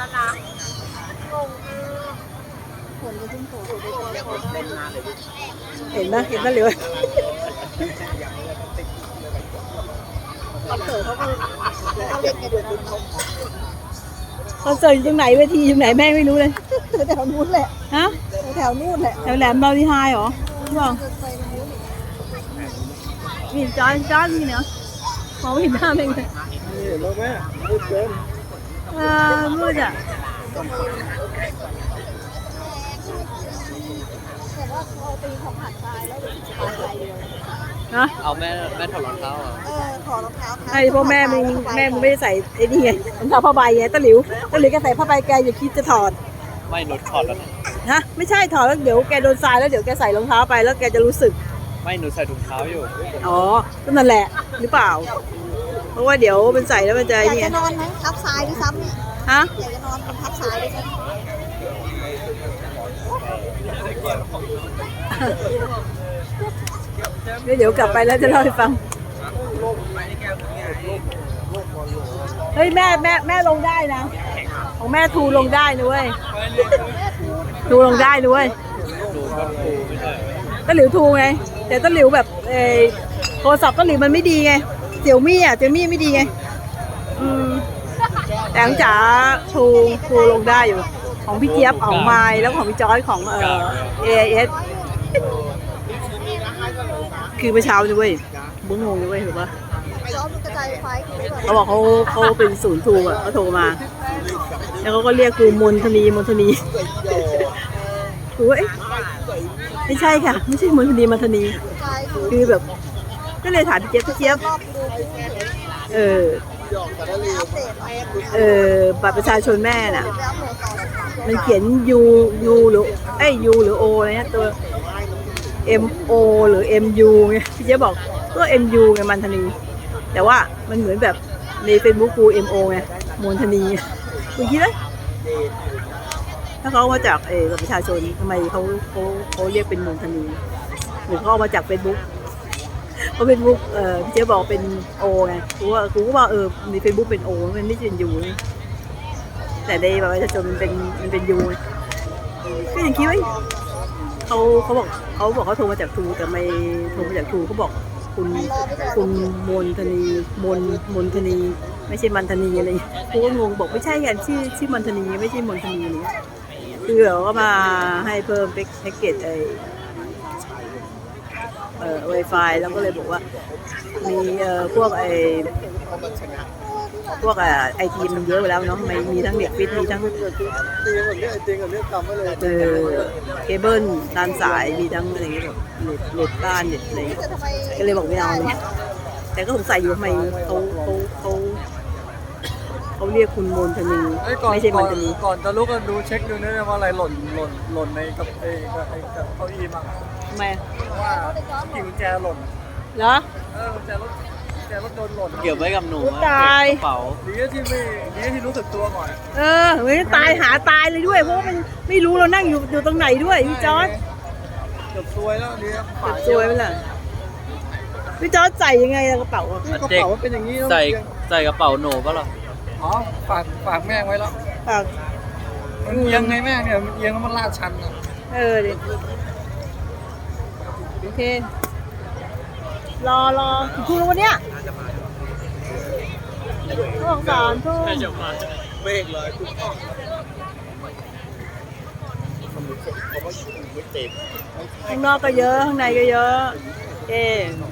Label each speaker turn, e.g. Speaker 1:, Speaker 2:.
Speaker 1: แล้วนะงง
Speaker 2: เห็นไหมเห็นไหมเหลือคอนเสิร์ตเขาก็เล่นกันอยู่คอนเสิร์ตอยู่ตรงไหนเวทีอยู่ไหนแม่ไม่รู้เลยแถวนู้นแหละฮะแถวนู้นแหละแถวแหลมบาลีไฮเหรอพี่บอกนี่จอนนี่เนาะมองไม่เห็นหน้าเองเลย
Speaker 3: นี่แล้วแม่มืดเกิน
Speaker 2: มืดอ่ะแต่ว่าพอตีเขาผ่านตายแล้วสบายใจเลยนะ
Speaker 4: เอาแม่ถอดรองเท้าเหรอ
Speaker 2: ถอดรองเท้าไอ้พ่อแม่มึงไม่ได้ใส่ไอ้นี่ไงรองเท้าผ้าใบไงตะหลิวแกใส่ผ้าใบแกอย่าคิดจะถอด
Speaker 4: ไม่หนูถอดแล้ว
Speaker 2: นะไม่ใช่ถอดแล้วเดี๋ยวแกโดนทรายแล้วเดี๋ยวแกใส่รองเท้าไปแล้วแกจะรู้สึก
Speaker 4: ไม่หนูใส่ถุงเท้าอยู่
Speaker 2: อ๋อก็นั่นแหละหรือเปล่าเพราะว่าเดี๋ยวมันใส่แล้วมันจะ
Speaker 1: อยากจะนอนไหมทับทรายด้วยซ้ำเนี่ย
Speaker 2: ฮะ
Speaker 1: อยากจะนอนบนทับทรายด้วยซ้ำ
Speaker 2: เดี๋ยวกลับไปแล้วจะเล่าให้ฟังเฮ้ยแม่ลงได้นะของแม่ทูลงได้นะเว้ยทูลงได้นะเว้ยตะหลิวทูไงแต่ตะหลิวแบบโทรศัพท์ตะหลิวมันไม่ดีไงเสี่ยวมี่ไม่ดีไงแต่ของจ๋าทูลงได้อยู่ของพี่เจี๊ยบของไมล์แล้วของพี่จอยของAIS คือเมื่อเช้านี่เว้ยบุ้งงงเลยเว้ยเห็นปะเขาบอกเขาเป็นศูนย์ทูอ่ะเขาโทรมาแล้วเขาก็เรียกกูมนทนีกูว่าไม่ใช่ค่ะไม่ใช่มนทนีคือแบบก็เลยถามพี่เจี๊ยบบัตรประชาชนแม่น่ะมันเขียน U หรือU หรือ O อะไรเนี่ยตัว MO หรือ MU ไงพี่เจ๊บอกก็ MU ไงมันธนีแต่ว่ามันเหมือนแบบใน Facebook กู MO ไงมนธนีคุณคิดไหมถ้าเขามาจากบัตรประชาชนทำไมเขาเรียกเป็นมนธนีหรือเขาเอามาจาก Facebookเพราะ Facebook พี่เจ๊บอกเป็น O ไงกูก็ว่าใน Facebook เป็น O มันไม่ใช่เป็น U แต่ในบัตรประชาชนมันเป็น U ก็ยังคิดว่าเขาบอกเขาโทรมาจากทูแต่ไม่โทรมาจากทูเขาบอกคุณมนธนีไม่ใช่มันธนีอะไรกูก็งงบอกไม่ใช่กันชื่อมันธนีไม่ใช่มนธนีนี่คือเราก็มาให้เพิ่มแพ็กเกจWi-Fi แล้วก็เลยบอกว่ามีพวกไอทีมันเยอะไปแล้วเนาะมีทั้งเน็ตฟิตมีทั้งเคเบิลตามสายมีทั้งอะไรแบบเน็ตบ้านเน็ตอะไรก็เลยบอกไม่เอาเลยแต่ก็สงสัยอยู่ทำไมเขาเรียกคุณมนธนีไม่ใช่มันธนี
Speaker 3: ก่อนจะลุกกันดูเช็คดูนะว่าอะไรหล่นในกับเก้าอี้มั้ง
Speaker 2: ทำไม
Speaker 3: ว่ากิ่งกุญแจหล่น
Speaker 2: เหรอ
Speaker 3: กุญแจรถโดนหล่น
Speaker 4: เกี่ยวไว้กับหนู
Speaker 2: ตาย
Speaker 4: กระเป๋า
Speaker 3: ดีที่รู้สึกตัวก่อน
Speaker 2: ไม่ตายหาตายเลยด้วยเพราะว่ามันไม่รู้เรานั่งอยู่ตรงไหนด้วยพี่จอร์จ
Speaker 3: เกือบซวยแล้วนี่
Speaker 2: ซวยไปเลยพี่จอร์จใส่ยังไงกระเป๋าก
Speaker 3: ระเป๋าเป็นอย่างนี้
Speaker 4: ใส่กระเป๋าหนูป่ะหรอ
Speaker 3: อ๋อฝากแม่ไว้แล้วมันเอียงไงแม่เนี่ยมันเอียงแล้วมันลาดชันอ่ะ
Speaker 2: ดิโอเครอคุณวันเนี้ยสองสามทุ่ม
Speaker 3: เบรกเลย
Speaker 2: ข้างนอกก็เยอะข้างในก็เยอะ